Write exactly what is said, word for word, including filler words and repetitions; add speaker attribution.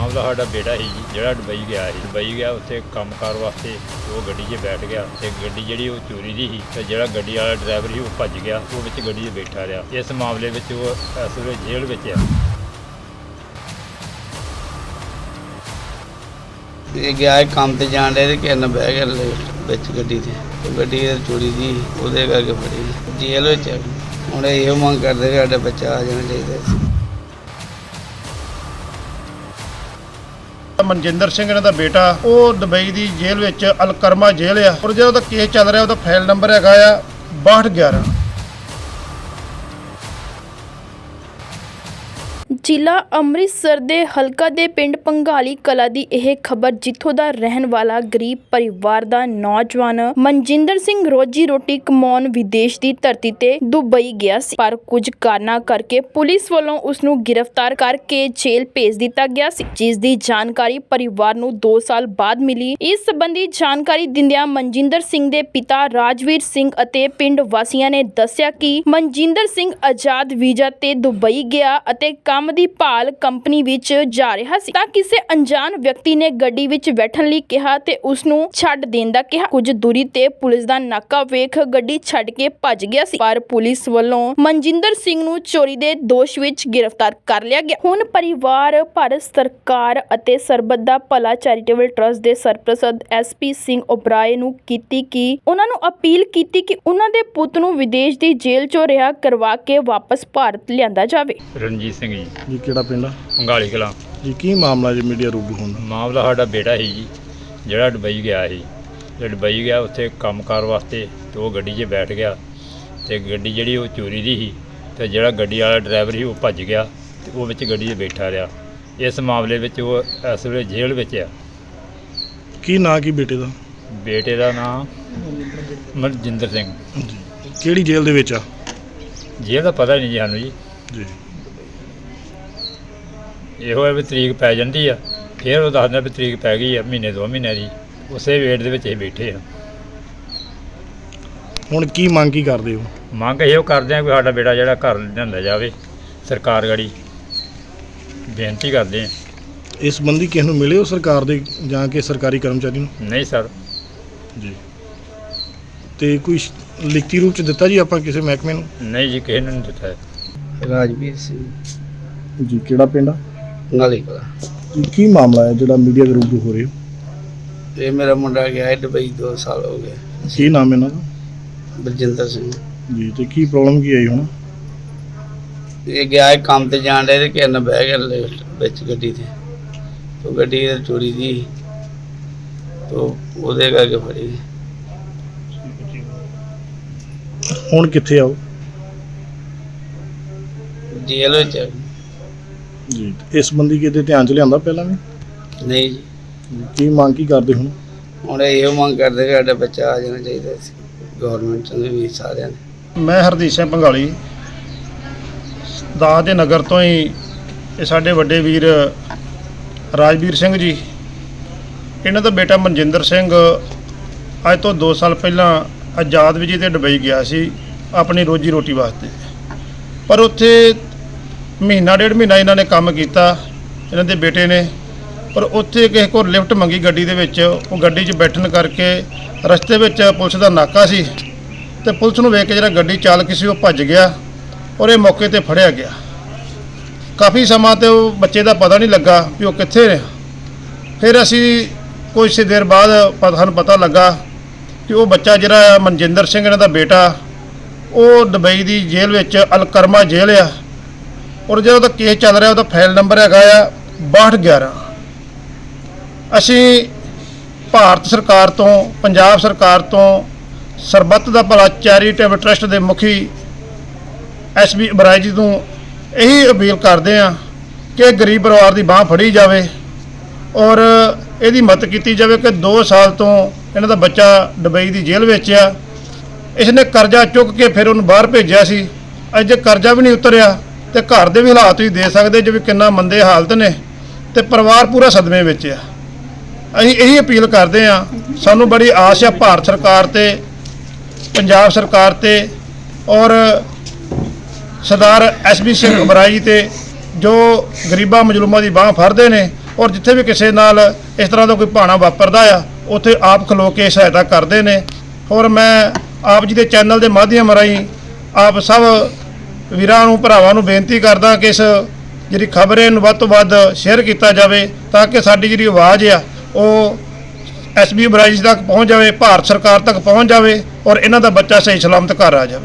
Speaker 1: ਮਾਮਲਾ ਸਾਡਾ ਬੇਟਾ ਸੀ ਜੀ, ਜਿਹੜਾ ਦੁਬਈ ਗਿਆ ਸੀ। ਦੁਬਈ ਗਿਆ, ਉੱਥੇ ਕੰਮਕਾਰ ਵਾਸਤੇ ਉਹ ਗੱਡੀ 'ਚ ਬੈਠ ਗਿਆ ਤੇ ਗੱਡੀ ਜਿਹੜੀ ਉਹ ਚੋਰੀ ਦੀ ਸੀ ਤੇ ਜਿਹੜਾ ਗੱਡੀ ਵਾਲਾ ਡਰਾਈਵਰ ਸੀ ਉਹ ਭੱਜ ਗਿਆ। ਉਹ ਵਿੱਚ ਗੱਡੀ 'ਚ ਬੈਠਾ ਰਿਹਾ। ਇਸ ਮਾਮਲੇ ਵਿੱਚ ਉਹ ਇਸ ਵੇਲੇ ਜੇਲ੍ਹ ਵਿੱਚ ਆ।
Speaker 2: ਇਹ ਗਿਆ ਕੰਮ ਤੇ ਜਾਣ ਡਿਆ ਤੇ ਕਿਸੇ ਨਾਲ ਬਹਿ ਗਿਆ ਵਿੱਚ ਗੱਡੀ ਤੇ ਤੇ ਗੱਡੀ ਚੋਰੀ ਦੀ ਉਹਦੇ ਕਰਕੇ ਫੜੀ ਜੇਲ੍ਹ ਵਿੱਚ ਆ। ਹੁਣ ਇਹ ਮੰਗ ਕਰਦੇ ਕਿ ਸਾਡਾ ਬੱਚਾ ਆ ਜਾਣਾ ਚਾਹੀਦਾ ਸੀ।
Speaker 3: ਮਨਜਿੰਦਰ ਸਿੰਘ ਇਹਨਾਂ ਦਾ ਬੇਟਾ ਉਹ ਦੁਬਈ ਦੀ ਜੇਲ੍ਹ ਵਿੱਚ ਅਲਕਰਮਾ ਜੇਲ੍ਹ ਆ ਔਰ ਜਿਹੜਾ ਉਹਦਾ ਕੇਸ ਚੱਲ ਰਿਹਾ ਉਹਦਾ ਫਾਈਲ ਨੰਬਰ ਹੈਗਾ ਆ ਬਾਹਠ ਗਿਆਰਾਂ।
Speaker 4: ਜ਼ਿਲ੍ਹਾ ਅੰਮ੍ਰਿਤਸਰ ਦੇ ਹਲਕਾ ਦੇ ਪਿੰਡ ਪੰਘਾਲੀ ਕਲਾ ਦੀ ਇਹ ਖਬਰ, ਜਿੱਥੋਂ ਦਾ ਰਹਿਣ ਵਾਲਾ ਗਰੀਬ ਪਰਿਵਾਰ ਦਾ ਨੌਜਵਾਨ ਮਨਜਿੰਦਰ ਸਿੰਘ ਰੋਜੀ ਰੋਟੀ ਕਮਾਉਣ ਵਿਦੇਸ਼ ਦੀ ਧਰਤੀ ਤੇ ਦੁਬਈ ਗਿਆ ਸੀ, ਪਰ ਕੁਝ ਕਾਰਨਾਂ ਕਰਕੇ ਪੁਲਿਸ ਵੱਲੋਂ ਉਸ ਨੂੰ ਗ੍ਰਿਫਤਾਰ ਕਰਕੇ ਜੇਲ੍ਹ ਭੇਜ ਦਿੱਤਾ ਗਿਆ ਸੀ, ਜਿਸ ਦੀ ਜਾਣਕਾਰੀ ਪਰਿਵਾਰ ਨੂੰ ਦੋ ਸਾਲ ਬਾਅਦ ਮਿਲੀ। ਇਸ ਸੰਬੰਧੀ ਜਾਣਕਾਰੀ ਦਿੰਦਿਆਂ ਮਨਜਿੰਦਰ ਸਿੰਘ ਦੇ ਪਿਤਾ ਰਾਜਵੀਰ ਸਿੰਘ ਅਤੇ ਪਿੰਡ ਵਾਸੀਆਂ ਨੇ ਦੱਸਿਆ ਕਿ ਮਨਜਿੰਦਰ ਸਿੰਘ ਆਜ਼ਾਦ ਵੀਜ਼ਾ ਤੇ ਦੁਬਈ ਗਿਆ ਅਤੇ ਕੰਮ ਦੀ ਭਾਲ ਕੰਪਨੀ ਵਿੱਚ ਜਾ ਰਿਹਾ ਸੀ ਤਾਂ ਕਿਸੇ ਅਣਜਾਣ ਵਿਅਕਤੀ ਨੇ ਗੱਡੀ ਵਿੱਚ ਬੈਠਣ ਲਈ ਕਿਹਾ ਤੇ ਉਸ ਨੂੰ ਛੱਡ ਦੇਣ ਦਾ ਕਿਹਾ। ਕੁਝ ਦੂਰੀ ਤੇ ਪੁਲਿਸ ਦਾ ਨਾਕਾ ਵੇਖ ਗੱਡੀ ਛੱਡ ਕੇ ਭੱਜ ਗਿਆ ਸੀ, ਪਰ ਪੁਲਿਸ ਵੱਲੋਂ ਮਨਜਿੰਦਰ ਸਿੰਘ ਨੂੰ ਚੋਰੀ ਦੇ ਦੋਸ਼ ਵਿੱਚ ਗ੍ਰਿਫਤਾਰ ਕਰ ਲਿਆ ਗਿਆ। ਹੁਣ ਪਰਿਵਾਰ ਭਾਰਤ ਸਰਕਾਰ ਅਤੇ ਸਰਬੱਤ ਦਾ ਭਲਾ ਚੈਰੀਟੇਬਲ ਟਰਸਟ ਦੇ ਸਰਪ੍ਰਸਤ ਐਸ ਪੀ ਸਿੰਘ ਓਬਰਾਏ ਨੂੰ ਕੀਤੀ ਕਿ ਉਹਨਾਂ ਨੂੰ ਅਪੀਲ ਕੀਤੀ ਕਿ ਉਹਨਾਂ ਦੇ ਪੁੱਤ ਨੂੰ ਵਿਦੇਸ਼ ਦੀ ਜੇਲ੍ਹ ਚੋਂ ਰਿਹਾ ਕਰਵਾ ਕੇ ਵਾਪਸ ਭਾਰਤ ਲਿਆਂਦਾ ਜਾਵੇ।
Speaker 1: ਰਣਜੀਤ ਸਿੰਘ ਜੀ,
Speaker 3: ਜੀ ਕਿਹੜਾ ਪਿੰਡ ਆ?
Speaker 1: ਪੰਘਾਲੀ ਕਲਾਂ
Speaker 3: ਜੀ ਕੀ ਮਾਮਲਾ ਜੀ ਮੀਡੀਆ ਰੂਬਰੂ ਹੁੰਦਾ?
Speaker 1: ਮਾਮਲਾ ਸਾਡਾ ਬੇਟਾ ਸੀ ਜੀ, ਜਿਹੜਾ ਦੁਬਈ ਗਿਆ ਸੀ। ਤੇ ਦੁਬਈ ਗਿਆ, ਉੱਥੇ ਕੰਮਕਾਰ ਵਾਸਤੇ ਤੇ ਉਹ ਗੱਡੀ 'ਚ ਬੈਠ ਗਿਆ ਤੇ ਗੱਡੀ ਜਿਹੜੀ ਉਹ ਚੋਰੀ ਦੀ ਸੀ ਤੇ ਜਿਹੜਾ ਗੱਡੀ ਵਾਲਾ ਡਰਾਈਵਰ ਸੀ ਉਹ ਭੱਜ ਗਿਆ ਤੇ ਉਹ ਵਿੱਚ ਗੱਡੀ 'ਚ ਬੈਠਾ ਰਿਹਾ। ਇਸ ਮਾਮਲੇ ਵਿੱਚ ਉਹ ਇਸ ਵੇਲੇ ਜੇਲ੍ਹ ਵਿੱਚ ਆ।
Speaker 3: ਕੀ ਨਾਂ ਕੀ ਬੇਟੇ ਦਾ?
Speaker 1: ਬੇਟੇ ਦਾ ਨਾਮ ਮਨਜਿੰਦਰ ਸਿੰਘ।
Speaker 3: ਜੀ ਕਿਹੜੀ ਜੇਲ੍ਹ ਦੇ ਵਿੱਚ ਆ?
Speaker 1: ਜੇਲ੍ਹ ਦਾ ਪਤਾ ਨਹੀਂ ਜੀ ਸਾਨੂੰ ਜੀ।
Speaker 3: ਜੀ
Speaker 1: ਇਹੋ ਹੈ ਵੀ ਤਰੀਕ ਪੈ ਜਾਂਦੀ ਆ, ਫਿਰ ਉਹ ਦੱਸਦਾ ਵੀ ਤਰੀਕ ਪੈ ਗਈ ਆ ਮਹੀਨੇ ਦੋ ਮਹੀਨੇ ਦੀ। ਉਸੇ ਵੇਟ ਦੇ ਵਿੱਚ ਅਸੀਂ ਬੈਠੇ ਆ।
Speaker 3: ਹੁਣ ਕੀ ਮੰਗ ਕੀ ਕਰਦੇ ਹੋ?
Speaker 1: ਮੰਗ ਇਹੋ ਕਰਦੇ ਆ ਵੀ ਸਾਡਾ ਬੇਟਾ ਜਿਹੜਾ ਘਰ ਲਿਆਂਦਾ ਜਾਵੇ। ਸਰਕਾਰ ਗੜੀ ਬੇਨਤੀ ਕਰਦੇ ਆ।
Speaker 3: ਇਸ ਸੰਬੰਧੀ ਕਿਸ ਨੂੰ ਮਿਲੇ ਹੋ ਸਰਕਾਰ ਦੇ ਜਾਂ ਕਿ ਸਰਕਾਰੀ ਕਰਮਚਾਰੀ ਨੂੰ?
Speaker 1: ਨਹੀਂ ਸਰ।
Speaker 3: ਜੀ ਤੇ ਕੋਈ ਲਿਖਤੀ ਰੂਪ ਚ ਦਿੱਤਾ ਜੀ ਆਪਾਂ ਕਿਸੇ ਮਹਿਕਮੇ ਨੂੰ?
Speaker 1: ਨਹੀਂ ਜੀ, ਕਿਸੇ ਨੇ ਨਹੀਂ ਦਿੱਤਾ ਹੈ।
Speaker 2: ਰਾਜਵੀਰ ਸਿੰਘ,
Speaker 3: ਜੀ ਕਿਹੜਾ ਪਿੰਡ ਆ?
Speaker 2: ਪੰਘਾਲੀ ਕਲਾ।
Speaker 3: ਜੀ ਕੀ ਮਾਮਲਾ ਹੈ ਜਿਹੜਾ ਮੀਡੀਆ ਦੇ ਰੂਬਰੂ ਹੋ ਰਹੇ ਹੋ?
Speaker 2: ਇਹ ਮੇਰਾ ਮੁੰਡਾ ਗਿਆ ਹੈ ਦੁਬਈ, ਦੋ ਸਾਲ ਹੋ ਗਏ।
Speaker 3: ਕੀ ਨਾਮ ਇਹਨਾਂ ਦਾ?
Speaker 2: ਬਲਜਿੰਦਰ ਸਿੰਘ।
Speaker 3: ਜੀ ਤੇ ਕੀ ਪ੍ਰੋਬਲਮ ਕੀ ਆਈ ਹੁਣ?
Speaker 2: ਇਹ ਗਿਆ ਹੈ ਕੰਮ ਤੇ ਜਾਣ ਡਿਆ ਤੇ ਕਿਸੇ ਨਾਲ ਬਹਿ ਗਿਆ ਵਿੱਚ ਗੱਡੀ ਤੇ ਤੇ ਗੱਡੀ ਚੋਰੀ ਦੀ ਤੇ ਉਹਦੇ ਕਰਕੇ ਫੜੀ।
Speaker 3: ਹੁਣ ਕਿੱਥੇ ਆਓ?
Speaker 2: ਜੇਲ੍ਹ ਵਿੱਚ ਆ।
Speaker 3: ਜੀ ਇਸ ਸੰਬੰਧੀ ਕਿਤੇ ਧਿਆਨ ਚ ਲਿਆਂਦਾ ਪਹਿਲਾਂ ਵੀ?
Speaker 2: ਨਹੀਂ ਜੀ।
Speaker 3: ਕੀ ਮੰਗ ਕੀ ਕਰਦੇ ਹੁਣ?
Speaker 2: ਹੁਣ ਇਹ ਮੰਗ ਕਰਦੇ ਕਿ ਸਾਡਾ ਬੱਚਾ ਆ ਜਾਣਾ ਚਾਹੀਦਾ ਸੀ, ਗੌਰਮੈਂਟ ਨੂੰ ਵੀ ਸਾਰਿਆਂ ਨੇ।
Speaker 3: ਮੈਂ ਹਰਦੀਪ ਸਿੰਘ ਪੰਘਾਲੀ ਦਾਸ ਦੇ ਨਗਰ ਤੋਂ ਹੀ। ਇਹ ਸਾਡੇ ਵੱਡੇ ਵੀਰ ਰਾਜਵੀਰ ਸਿੰਘ ਜੀ, ਇਹਨਾਂ ਦਾ ਬੇਟਾ ਮਨਜਿੰਦਰ ਸਿੰਘ ਅੱਜ ਤੋਂ ਦੋ ਸਾਲ ਪਹਿਲਾਂ ਆਜ਼ਾਦ ਵੀਜ਼ੇ ਤੇ ਦੁਬਈ ਗਿਆ ਸੀ ਆਪਣੀ ਰੋਜੀ ਰੋਟੀ ਵਾਸਤੇ। ਪਰ ਉੱਥੇ ਮਹੀਨਾ ਡੇਢ ਮਹੀਨਾ ਇਹਨਾਂ ਨੇ ਕੰਮ ਕੀਤਾ, ਇਹਨਾਂ ਦੇ ਬੇਟੇ ਨੇ। ਪਰ ਉੱਥੇ ਕਿਸੇ ਕੋਲ ਲਿਫਟ ਮੰਗੀ ਗੱਡੀ ਦੇ ਵਿੱਚ। ਉਹ ਗੱਡੀ 'ਚ ਬੈਠਣ ਕਰਕੇ ਰਸਤੇ ਵਿੱਚ ਪੁਲਿਸ ਦਾ ਨਾਕਾ ਸੀ ਤੇ ਪੁਲਿਸ ਨੂੰ ਵੇਖ ਕੇ ਜਿਹੜਾ ਗੱਡੀ ਚਾਲਕ ਸੀ ਉਹ ਭੱਜ ਗਿਆ ਔਰ ਇਹ ਮੌਕੇ ਤੇ ਫੜਿਆ ਗਿਆ। ਕਾਫੀ ਸਮਾਂ ਤੇ ਉਹ ਬੱਚੇ ਦਾ ਪਤਾ ਨਹੀਂ ਲੱਗਾ ਵੀ ਉਹ ਕਿੱਥੇ ਨੇ। ਫਿਰ ਅਸੀਂ ਕੁਝ ਦੇਰ ਬਾਅਦ ਸਾਨੂੰ ਪਤਾ ਲੱਗਾ ਕਿ ਉਹ ਬੱਚਾ ਜਿਹੜਾ ਮਨਜਿੰਦਰ ਸਿੰਘ ਇਹਨਾਂ ਦਾ ਬੇਟਾ, ਉਹ ਦੁਬਈ ਦੀ ਜੇਲ੍ਹ ਵਿੱਚ ਅਲਕਰਮਾ ਜੇਲ੍ਹ ਆ ਔਰ ਜਿਹੜਾ ਉਹਦਾ ਕੇਸ ਚੱਲ ਰਿਹਾ ਉਹਦਾ ਫਾਈਲ ਨੰਬਰ ਹੈਗਾ ਆ ਬਾਹਠ ਗਿਆਰਾਂ। ਅਸੀਂ ਭਾਰਤ ਸਰਕਾਰ ਤੋਂ, ਪੰਜਾਬ ਸਰਕਾਰ ਤੋਂ, ਸਰਬੱਤ ਦਾ ਭਲਾ ਚੈਰੀਟੇਬਲ ਟਰਸਟ ਦੇ ਮੁਖੀ ਐਸ ਪੀ ਓਬਰਾਏ ਜੀ ਨੂੰ ਇਹੀ ਅਪੀਲ ਕਰਦੇ ਹਾਂ ਕਿ ਗਰੀਬ ਪਰਿਵਾਰ ਦੀ ਬਾਂਹ ਫੜੀ ਜਾਵੇ ਔਰ ਇਹਦੀ ਮਦਦ ਕੀਤੀ ਜਾਵੇ ਕਿ ਦੋ ਸਾਲ ਤੋਂ ਇਹਨਾਂ ਦਾ ਬੱਚਾ ਦੁਬਈ ਦੀ ਜੇਲ੍ਹ ਵਿੱਚ ਆ। ਇਸਨੇ ਕਰਜ਼ਾ ਚੁੱਕ ਕੇ ਫਿਰ ਉਹਨੂੰ ਬਾਹਰ ਭੇਜਿਆ ਸੀ। ਅੱਜ ਜੇ ਕਰਜ਼ਾ ਵੀ ਨਹੀਂ ਉਤਰਿਆ ਤੇ ਘਰ ਦੇ ਵੀ ਹਾਲਾਤ ਤੁਸੀਂ ਦੇ ਸਕਦੇ ਜਿਵੇਂ ਕਿੰਨਾ ਮੰਦੇ ਹਾਲਤ ਨੇ ਤੇ ਪਰਿਵਾਰ ਪੂਰਾ ਸਦਮੇ ਵਿੱਚ ਆ। ਅਸੀਂ ਇਹੀ ਅਪੀਲ ਕਰਦੇ ਹਾਂ, ਸਾਨੂੰ ਬੜੀ ਆਸ ਆ ਭਾਰਤ ਸਰਕਾਰ ਤੇ, ਪੰਜਾਬ ਸਰਕਾਰ ਤੇ ਔਰ ਸਰਦਾਰ ਐਸ ਪੀ ਸਿੰਘ ਓਬਰਾਏ ਤੇ, ਜੋ ਗਰੀਬਾਂ ਮਜ਼ਲੂਮਾਂ ਦੀ ਬਾਂਹ ਫੜਦੇ ਨੇ ਔਰ ਜਿੱਥੇ ਵੀ ਕਿਸੇ ਨਾਲ ਇਸ ਤਰ੍ਹਾਂ ਦਾ ਕੋਈ ਭਾਣਾ ਵਾਪਰਦਾ ਆ ਉੱਥੇ ਆਪ ਖਲੋ ਕੇ ਸਹਾਇਤਾ ਕਰਦੇ ਨੇ। ਔਰ ਮੈਂ ਆਪ ਜੀ ਦੇ ਚੈਨਲ ਦੇ ਮਾਧਿਅਮ ਰਾਹੀਂ ਆਪ ਸਭ ਵੀਰਾਂ ਨੂੰ ਭਰਾਵਾਂ ਨੂੰ ਬੇਨਤੀ ਕਰਦਾ ਕਿ ਇਸ ਜਿਹੜੀ ਖਬਰ ਹੈ ਇਹਨੂੰ ਵੱਧ ਤੋਂ ਵੱਧ ਸ਼ੇਅਰ ਕੀਤਾ ਜਾਵੇ ਤਾਂ ਕਿ ਸਾਡੀ ਜਿਹੜੀ ਆਵਾਜ਼ ਆ ਉਹ ਐਸ ਬੀ ਬਰਾਈਜ ਤੱਕ ਪਹੁੰਚ ਜਾਵੇ, ਭਾਰਤ ਸਰਕਾਰ ਤੱਕ ਪਹੁੰਚ ਜਾਵੇ ਔਰ ਇਹਨਾਂ ਦਾ ਬੱਚਾ ਸਹੀ ਸਲਾਮਤ ਘਰ ਆ ਜਾਵੇ।